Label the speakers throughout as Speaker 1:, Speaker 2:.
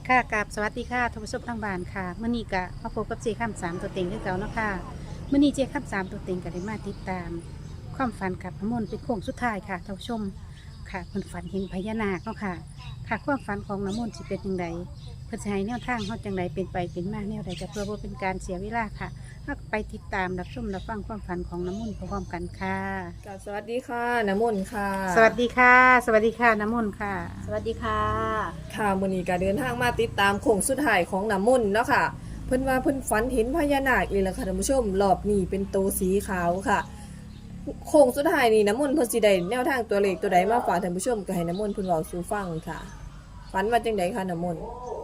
Speaker 1: ค่ะกับสวัสดีค่ะท่านผู้ชมทางบ้านค่ะเมื่อนี้ก็มาพบกับเจข้ามสามตัวเต็งคือเก่าเนาะค่ะเมื่อนี้เจข้ามสามตัวเต็งก็ได้มาติดตาม ความฝันกับน้ำมนต์เป็นโค้งสุดท้ายค่ะท่านผู้ชมค่ะเพิ่นฝันเห็นพญานาคเนาะค่ะค่ะความฝันของน้ำมนต์สิเป็นยังไงเพิ่นสิให้แนวทางเฮาจังไดเป็นไปเป็นมาแนวใดก็เพื่อบ่เป็นการเสียเวลาค่ะเฮาก็ไปติดตามรับชมรับฟังความฝันของน้ำมนต์พร้อมๆกันค่ะ
Speaker 2: กับสวัสดีค่ะน้ำมนต์ค่ะ
Speaker 1: สวัสดีค่ะ สวัสดีค่ะน้ำมนต์ค่ะ
Speaker 3: สวัสดีค่ะ
Speaker 2: ค่ะมื้อนี้ก็เดินทางมาติดตามโค้งสุดท้ายของน้ำมนต์เนาะค่ะเพิ่นว่าเพิ่นฝันเห็นพญานาคอีกแล้วค่ะท่านผู้ชมรอบนี้เป็นโตวสีขาวค่ะโค้งสุดท้ายนี่น้ำมนต์เพิ่นสิได้แนวทางตัวเลขตัวใดมาฝากท่านผู้ชมก็ให้น้ำมนต์เพิ่นเว้าสู่ฟังค่ะฝันว่าจังไดคะน้ำมนต์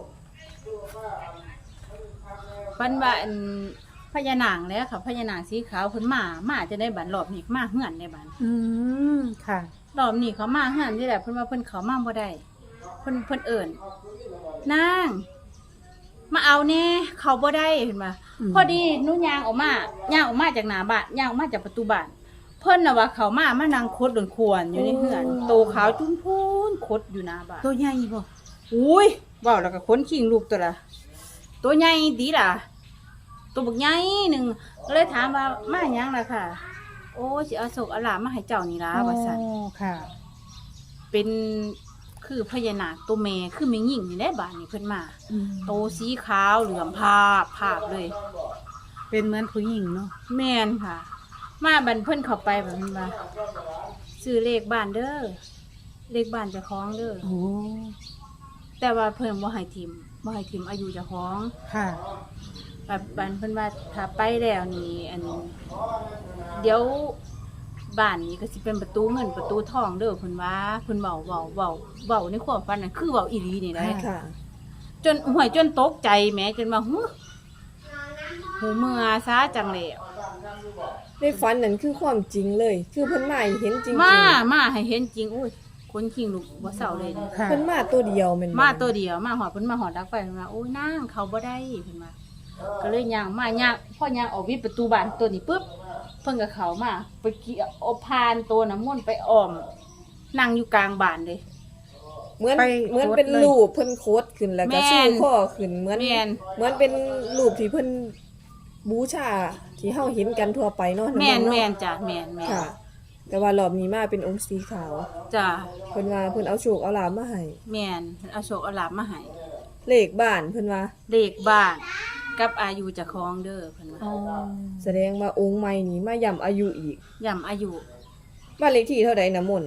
Speaker 3: ฟันว่าพญานางแล้วค่ะพญานางสีขาวเพิ่นมาจะได้บันรอบนี้มาเฮือนในบัน
Speaker 1: อืมค่ะ
Speaker 3: รอบนี้เขามาเฮือนที่แหละเพิ่นว่าเพิ่นเขามาบ่ได้เพิ่นเอิ้นนางมาเอาแน่เขาบ่ได้เห็นบ่ พอดีหนูย่างออกมาจากหน้าบ้านย่างออกมาจากประตูบ้านเพิ่นน่ะว่าเขามานั่งคดโดนควรอยู่ในเฮือนโตขาวจุ้มพูนคดอยู่หน้าบ้าน
Speaker 1: ตัวใหญ่บ่
Speaker 3: อุ้ยเว้าแล้วก็ขนขิงลูกตัวละตัวใหญ่ดีล่ะตัวบักใหญ่หนึ่งก็เลยถามว่ามาหยังล่ะค่ะ โอ้สิเอาโศกเอาหลามมาให้เจ้านี่ล่ะว่าซั่น
Speaker 1: โอ้ค่ะ
Speaker 3: เป็นคือพญานาคตัวแม่คือแม่หญิงนี่แหละบ้านนี้เพิ่นมา
Speaker 1: อืม
Speaker 3: โตสีขาวเหลืองภาพเลย
Speaker 1: เป็นเหมือนผู้หญิงเนาะ
Speaker 3: แม่นค่ะ มาบันเพิ่นเข้าไปแบบนี้ว่าซื้อเลขบ้านเด้อเลขบ้านเจ้าของเด้อ
Speaker 1: โอ้
Speaker 3: แต่ว่าเพิ่นบ่ให้ทิมอายุเจ้าของ
Speaker 1: ค่ะ
Speaker 3: แบบบันเพิ่นว่าถ้าไปแล้วนี่เดี๋ยวบ้านนี้ก็สิเป็นประตูเงินประตูทองเด้อเพิ่นว่าเพิ่นเว้าในความฝันน่ะคือเว้าอีหลีนี่แหละ
Speaker 2: ค่ะ
Speaker 3: จนห่วยจนตกใจแหมจนว่าหูเมื่อซาจังแล้ว
Speaker 2: ในฝันนั่นคือความจริงเลย คือเพิ่นมาให้เห็นจริงๆ
Speaker 3: มาให้เห็นจริงอุ้ยคนขิงลูกบ่เศร้าเลยนะ
Speaker 1: ค่ะ
Speaker 2: เพิ่นมาตัวเดียวแม่นบ่
Speaker 3: มาตัวเดียวมาหอดเพิ่นมาหอดดักไฟเพิ่นว่าโอ้ยนางเขาบ่ได้เพิ่นว่าก็เลยย่างพ่อย่างออกวิดประตูบ้านตัวนี้ปุ๊บเพิ่นก็เข้ามาไปเกี่ยวเอาพานตัวน้ำมนต์ไปอ้อมนั่งอยู่กลางบ้านเลย
Speaker 2: เหมือน
Speaker 1: ไป
Speaker 2: เหมือน
Speaker 1: โคตร
Speaker 2: เป็น
Speaker 1: เลย
Speaker 2: รูปเพิ่นโคตรขึ้นแล้วก็
Speaker 3: แม่
Speaker 2: สู้
Speaker 3: น
Speaker 2: ข้อขึ้นเหมือน
Speaker 3: แม่น
Speaker 2: เหมือนเป็นรูปที่เพิ่นบูชาที่เฮาเห็นกันทั่วไปเนาะ
Speaker 3: แม่น
Speaker 2: ำเนาะ
Speaker 3: แม่นจ้ะแม่น
Speaker 2: ค่ะ แต่ว่ารอบนี้มาเป็นองค์สีขาว
Speaker 3: จ้ะ
Speaker 2: เพิ่นว่าเพิ่นเอาโชคเอาลาภมาให้
Speaker 3: แม่นเอาโชคเอาลาภมาให้
Speaker 2: เลขบ้านเพิ่นว่า
Speaker 3: เลขบ้านกับอายุเจ้าของเด้อเพิ่นว่า
Speaker 1: โอ้
Speaker 2: แสดงว่าองค์ใหม่นี้มาย้ำอายุอีก
Speaker 3: ย่ำอายุ
Speaker 2: บ้านเลขที่เท่าใดน้ำมนต์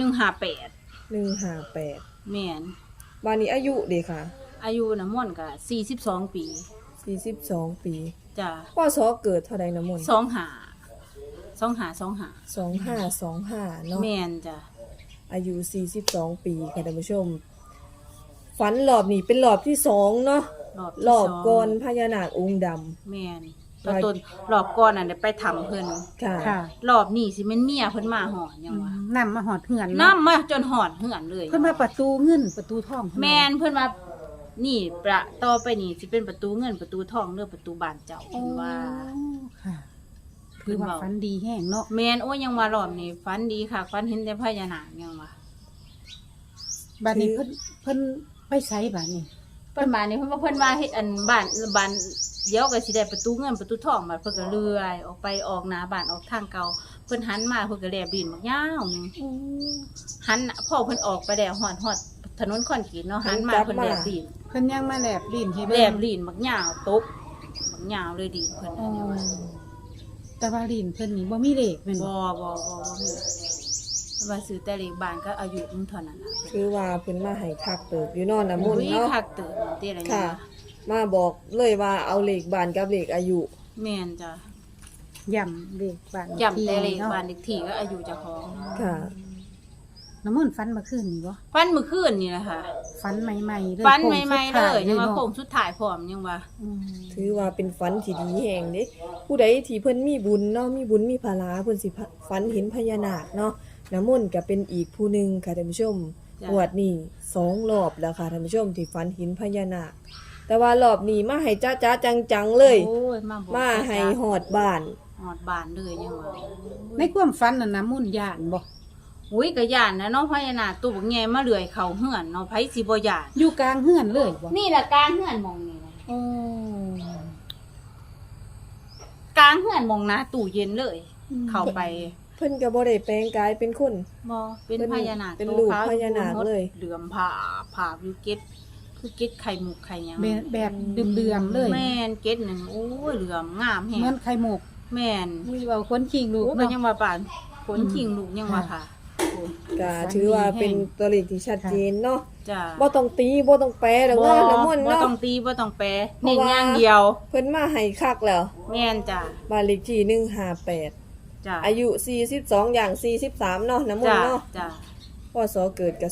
Speaker 3: 158
Speaker 2: 158
Speaker 3: แม่น
Speaker 2: บ้านนี้อายุเด้ค่ะ
Speaker 3: อายุน้ำมนต์ก็42 ปี
Speaker 2: 42 ปี
Speaker 3: จ้ะ
Speaker 2: พศเกิดเท่าใดน้ำมนต์ 2525เนาะ
Speaker 3: แม่นจ้ะ
Speaker 2: อายุ 42 ปีค่ะท่านผู้ชม ฝันรอบนี้เป็นรอบที่2เนาะ
Speaker 3: ที่
Speaker 2: รอบ
Speaker 3: สง
Speaker 2: ก่อนพญานาคองค์ดำ
Speaker 3: แม่นตอนต้นรอบก่อนน่ะได้ไปทำเพิ่น
Speaker 2: ค่ะ
Speaker 1: ค่ะ
Speaker 3: รอบนี้สิแม่นเมียเพิ่นมาหอนยังวะ
Speaker 1: นำมาหอดเหือน
Speaker 3: นำมาจนหอนเหือนเลย
Speaker 1: เพิ่นมาประตูเงินประตูทอง
Speaker 3: แม่นเพิ่นว่านี่ประต่อไปนี่สิเป็นประตูเงินประตูทองเด้อประตูบ้านเจ้า
Speaker 1: โอ้
Speaker 3: เพิ่นว่า
Speaker 1: ค่ะคือว่าฝันดีแห้งเนาะ
Speaker 3: แม่นโอ้ยยังว่ารอบนี้ฝันดีค่ะฝันเห็นแต่พญานาคยังว่า
Speaker 1: บัดนี้เพิ่นไปไสบัดนี้
Speaker 3: เพิ่นมานี่เพิ่นว่าเฮ็ดอันบ้านเดี๋ยวก็สิได้ประตูเงินประตูทองมาเพิ่นก็เลื่อยออกไปออกหน้าบ้านออกทางเก่าเพิ่นหันมาเพิ่นก็แลบดินบักยาวหนึงหันพ่อเพิ่นออกไปแล้วฮอดถนนคอนกรีตเนาะหันมาเพิ่นแลบดิน
Speaker 1: เพิ่นยังมาแลบลิ้นให้
Speaker 3: แล
Speaker 1: เบิ่ง
Speaker 3: บดินบักยาวตบบักยาวเลยดินเพิ่น
Speaker 1: โอ้
Speaker 3: น่ะเนี่ยว่า
Speaker 1: แต่ว่าลิ้นเพิ่นนี่บ่มีเลขแม่น
Speaker 3: บ่
Speaker 1: บ่
Speaker 3: มีว่าซื้อแต่เลขบ้านก็อายุมึงเท่านั้นล่ะ
Speaker 2: คือว่าเพิ่นมาให้คักเติบอยู่เนอนน้ำมนต์
Speaker 3: อุ้ย
Speaker 2: เนาะ
Speaker 3: คักเติบเด้อะไร
Speaker 2: ค่ะ
Speaker 3: เนี่ย
Speaker 2: มาบอกเลยว่าเอาเลขบ้านกับเลขอายุ
Speaker 3: แม่นจ้ะ
Speaker 1: ย่ำเลขบ้าน
Speaker 3: จำแต่เลข
Speaker 1: นาะ
Speaker 3: บ้านเลขที่ก็อายุเจ้าของ
Speaker 2: ค่ะ
Speaker 1: น้ำมนต์ฝันเมื่อคืนนี่บ่
Speaker 3: ฟันมื้อคืนนี่แหละค่ะ
Speaker 1: ฝันใหม่ๆเลย
Speaker 3: ฟัน
Speaker 1: โค้ง
Speaker 3: ใหม่ๆ
Speaker 1: สุด
Speaker 3: เล
Speaker 1: ท้าย
Speaker 3: ยังว่า
Speaker 1: เนาะ
Speaker 3: โค้งสุดท้ายพร้อมยังว่า
Speaker 1: อืม
Speaker 2: ถือว่าเป็นฝันที่ดีแห่งเด้ผู้ใดที่เพิ่นมีบุญเนาะมีบุญมีภาระเพิ่นสิฝันเห็นพญานาคเนาะน้ำมนต์ก็เป็นอีกผู้หนึงค่ะท่านผู้ชม
Speaker 3: จ้ะ
Speaker 2: งวดนี้2รอบแล้วค่ะท่านผู้ชมที่ฝันเห็นพญานาคแต่ว่ารอบนี้มาให้จ้าๆจังๆเลย
Speaker 3: โอ้ยมาบอก
Speaker 2: มาให้ฮอดบ้าน
Speaker 3: หอดบ้านเลยยังว่า
Speaker 1: ในความฝันน่ะน้ำมนต์ย่านบ่
Speaker 3: อุ้ยก็ย่านนะเนาะพญานาคตัวบักใหญ่มาเลื้อยเข้าเฮือนเนาะไผสิบ่ย่าน
Speaker 1: อยู่กลางเฮือนเลยบ่
Speaker 3: นี่ล่ะกลางเฮือนหมองนี่นะ
Speaker 1: โอ้
Speaker 3: กลางเฮือนหมองหน้าตู้เย็นเลย เข้าไป
Speaker 2: เพิ่นก็บ่ได้แปลงกายเป็นคน
Speaker 3: บ่เป็นพญานาค
Speaker 2: เป็น
Speaker 3: ตัว
Speaker 2: รูป
Speaker 3: ขว
Speaker 2: พญานาคเลย
Speaker 3: เหลื่อมผ่าอยู่เก็ดคือเก็ดไข่มุกไข่หยัง
Speaker 1: แบบเดือมๆเลย
Speaker 3: แม่นเก็ดหนึงโอ้ยเหลื่อมงามแฮ
Speaker 1: เหมือง นไข่มุก
Speaker 3: แม่น
Speaker 1: มีเว้าคนขิงลูก
Speaker 3: โอ้ก็
Speaker 1: เนาะ
Speaker 3: ยังว่าปานขนขิงลูกยังว่าค่ะ
Speaker 2: ก็ถือว่าเป็นตัวเลขที่ชัดเจนเนาะ
Speaker 3: จ้า
Speaker 2: บ่ต้องตีบ่ต้องแปลดอกเนาะน้ำมนต์
Speaker 3: บ่
Speaker 2: เนาะ
Speaker 3: ต้องตีบ่ต้องแปร
Speaker 2: เพราะ
Speaker 3: เน้น
Speaker 2: ว่า
Speaker 3: อย่างเดียว
Speaker 2: เพิ่นมาให้คักแล้ว
Speaker 3: แม่นจ้า
Speaker 2: บ้านเลขที่158
Speaker 3: จ้า
Speaker 2: อายุ42อย่าง43เนาะน้ำมน
Speaker 3: จ้า
Speaker 2: ต์เนาะ
Speaker 3: จ้า
Speaker 2: พศเกิดก็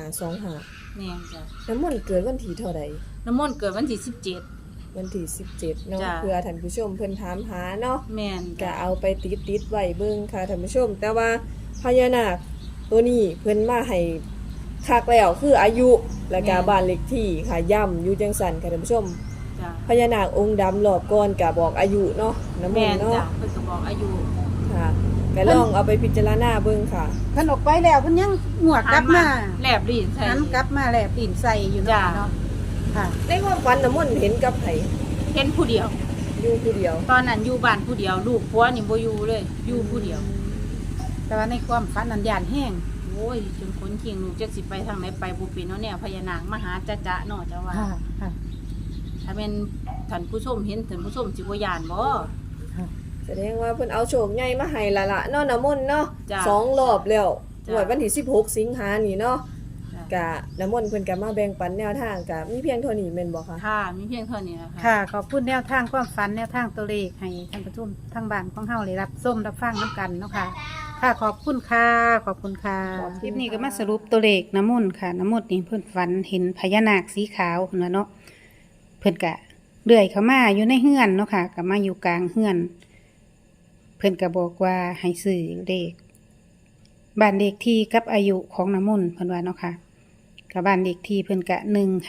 Speaker 2: 2525
Speaker 3: แม่นจ้า
Speaker 2: น้ำมนต์เกิดวันที่เท่าใด
Speaker 3: น้ำมนต์เกิดวันที่17
Speaker 2: วันที่17เนาะ
Speaker 3: จ้ะ
Speaker 2: เพื่อท่านผู้ชมเพิ่นถามหาเนาะ
Speaker 3: แม่น
Speaker 2: ก็เอาไปติดไว้เบิ่งค่ะท่านผู้ชม แต่ว่าพญานาคตัวนี้เพิ่นมาให้คักแล้วคืออายุและก็บ้านเลขที่ค่ะย่ำอยู่จังสันค่ะท่านผู้ชม
Speaker 3: จ้า
Speaker 2: พญานาคองค์ดำรอบก่อนก็บอกอายุเนาะน้ำม
Speaker 3: แม่
Speaker 2: น
Speaker 3: น
Speaker 2: ต์เนาะ
Speaker 3: จ้าเพิ่นก็บอกอายุ
Speaker 2: ค่ะก็ลองเอาไปพิจารณาเบิ่งค่ะ
Speaker 1: เพิ่นออกไปแล้วเพิ่นยังงวกกลับมา
Speaker 3: แลบลิ้นใส่
Speaker 1: หันกลับมาแลบตีนใส่อยู่
Speaker 3: จ้ะ
Speaker 1: เนาะค่ะ
Speaker 2: ในความฝันน้ำมนต์เห็นกับไผ
Speaker 3: เห็นผู้เดียว
Speaker 2: อยู่ผู้เดียว
Speaker 3: ตอนนั้นอยู่บ้านผู้เดียวลูกผัวนี่บ่อยู่เลยอยู่ผู้เดียว
Speaker 1: แต่ว่าในความฝันนั้นย่านแห้ง
Speaker 3: โอ้ยจนขนขิงลูกจักสิไปทางไหนไปบ่เป็นเนาะแนวพญานาคมาหาจ๊ะๆเนาะจ้าว่า
Speaker 1: ค่ะค่ะ
Speaker 3: ถ้าแม่นท่านผู้ชมเห็นท่านผู้ชมสิบ่ย่านบ่
Speaker 1: ค่ะ
Speaker 2: แสดงว่าเพิ่นเอาโชคใหญ่มาให้ละละเนาะน้ำมนต์เนาะ
Speaker 3: จ้ะ
Speaker 2: สองรอบแล้ว
Speaker 3: จ้ะ
Speaker 2: งวดวันที่16สิงหานี่เนาะ
Speaker 3: จ้ะ
Speaker 2: กะน้ำมนต์เพิ่นก็มาแบ่งปันแนวทางกะมีเพียงเท่านี้แม่นบ่คะ
Speaker 3: ค่ะมีเพียงเท่านี้นะคะ
Speaker 1: ค่ะขอบคุณแนวทางความฝันแนวทางตัวเลขให้ท่านผู้ชมทางบ้านของเฮาได้รับส้มรับฟังน้ำกันเนาะค่ะ ค่ะขอบคุณค่ะขอบคุณค่ะคลิปนี้ก็มาสรุปตัวเลขน้ำมนต์ค่ะน้ำมนต์นี่เพิ่นฝันเห็นพญานาคสีขาวเพิ่นว่าเนาะเพิ่นกะเลื่อยเข้ามาอยู่ในเฮือนเนาะค่ะก็มาอยู่กลางเฮือน เพิ่นก็บอกว่าให้ซื้อเลขบ้านเลขที่กับอายุของน้ำมนต์เพิ่นว่าเนาะค่ะกับบ้านเลขที่เพิ่นกะ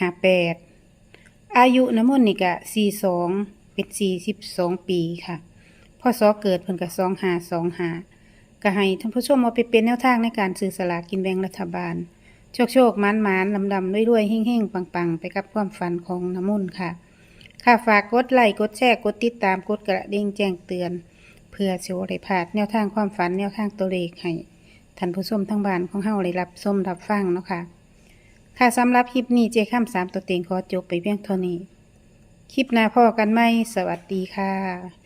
Speaker 1: 158อายุน้ำมนต์นี่กะ42เป็น42ปีค่ะพศเกิดเพิ่นกะ2525ก็ให้ท่านผู้ชมเอาไปเป็นแนวทางในการซื้อสลากกินแบ่งรัฐบาล โชคๆมันๆลำๆรวยๆเฮ่งๆปังๆไปกับความฝันของน้ำมนต์ค่ะค่ะฝากกดไลค์กดแชร์กดติดตามกดกระดิ่งแจ้งเตือน เพื่อสิบ่ได้พลาดแนวทางความฝันแนวทางตัวเลขให้ท่านผู้ชมทั้งบ้านของเฮาได้รับชมรับฟังเนาะค่ะค่ะสำหรับคลิปนี้เจข้าม3ตัวเต็งขอจบไปเพียงเท่านี้ คลิปหน้าพอกันไหมสวัสดีค่ะ